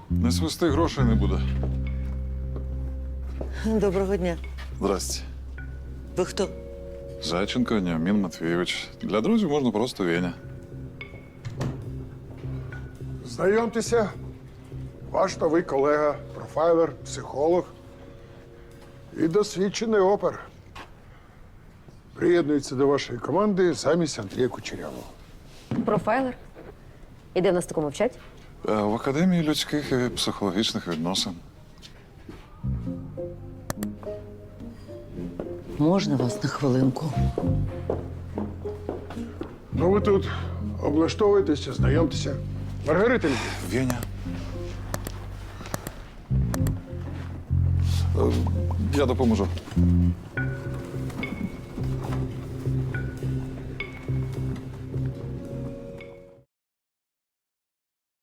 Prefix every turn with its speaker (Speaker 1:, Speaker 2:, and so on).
Speaker 1: Не свисти, грошей не буде.
Speaker 2: Доброго дня.
Speaker 1: Здрасте.
Speaker 2: Ви хто?
Speaker 1: Зайченко Ніамін Матвійович. Для друзів можна просто Веня.
Speaker 3: Знайомтеся, ваш новий колега, профайлер, психолог і досвідчений опер. Приєднується до вашої команди замість Андрія Кучерявого.
Speaker 4: Профайлер? І де в нас такому вчать?
Speaker 1: В Академії людських і психологічних відносин.
Speaker 2: Можна вас на хвилинку?
Speaker 3: Ну, ви тут облаштовуєтеся, знайомтеся. Маргарита Львівна,
Speaker 1: Веня. Я допоможу.